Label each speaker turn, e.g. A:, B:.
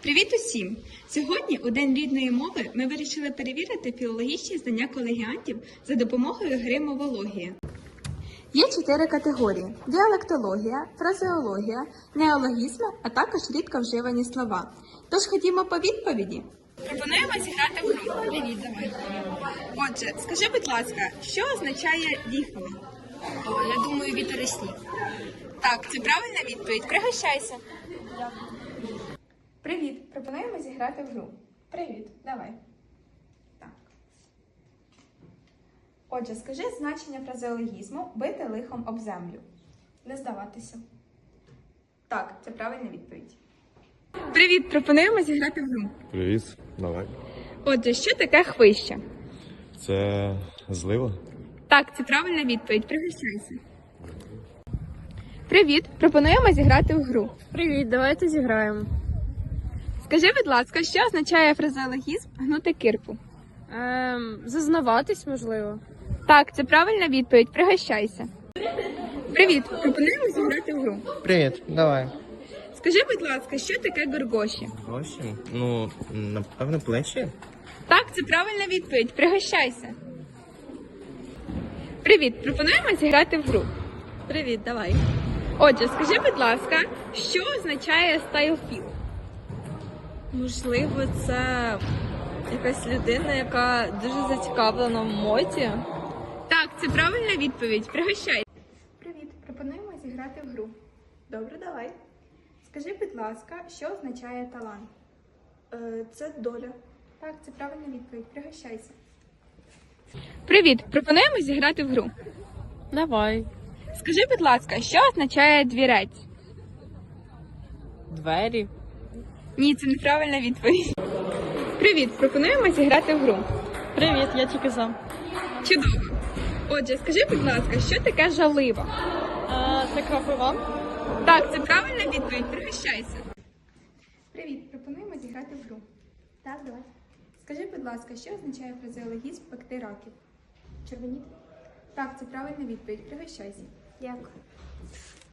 A: Привіт усім! Сьогодні, у День рідної мови, ми вирішили перевірити філологічні знання колегіантів за допомогою гри «Мовологія». Є 4 категорії – діалектологія, фразеологія, неологізми, а також рідко вживані слова. Тож ходімо по відповіді. Пропонуємо зіграти в гру. Привіт, давай. Отже, скажи, будь ласка, що означає діхало?
B: Я думаю, вітер і сніг.
A: Так, це правильна відповідь. Пригощайся. Привіт! Пропонуємо зіграти в гру. Привіт, давай. Так. Отже, скажи значення фразеологізму «бити лихом об землю». Не здаватися. Так, це правильна відповідь. Привіт! Пропонуємо зіграти в гру.
C: Привіт, давай.
A: Отже, що таке хвище?
C: Це злива?
A: Так, це правильна відповідь. Пригощайся. Привіт! Пропонуємо зіграти в гру.
B: Привіт, давайте зіграємо.
A: Скажи, будь ласка, що означає фразеологізм «гнути кирпу»?
B: Зазнаватись, можливо.
A: Так, це правильна відповідь. Пригощайся. Привіт! Пропонуємо зіграти в гру.
D: Привіт, давай.
A: Скажи, будь ласка, що таке горгоші?
D: Гроші? Ну, напевно, плечі.
A: Так, це правильна відповідь. Пригощайся. Привіт! Пропонуємо зіграти в гру.
B: Привіт, давай.
A: Отже, скажи, будь ласка, що означає стайлфіл?
B: Можливо, це якась людина, яка дуже зацікавлена в моді.
A: Так, це правильна відповідь. Пригощайся. Привіт! Пропонуємо зіграти в гру. Добре, давай. Скажи, будь ласка, що означає талант?
B: Це доля.
A: Так, це правильна відповідь. Пригощайся. Привіт! Пропонуємо зіграти в гру.
B: Давай.
A: Скажи, будь ласка, що означає двірець?
B: Двері.
A: Ні, це неправильна відповідь. Привіт! Пропонуємо зіграти в гру.
B: Привіт, я тільки за.
A: Чудово! Отже, скажи, будь ласка, що таке жалива?
B: Це крапива.
A: Так, це правильна відповідь. Пригощайся. Привіт! Пропонуємо зіграти в гру. Так, давай. Скажи, будь ласка, що означає фразеологізм «пекти раків»? Червоніти? Так, це правильна відповідь. Пригощайся. Дякую.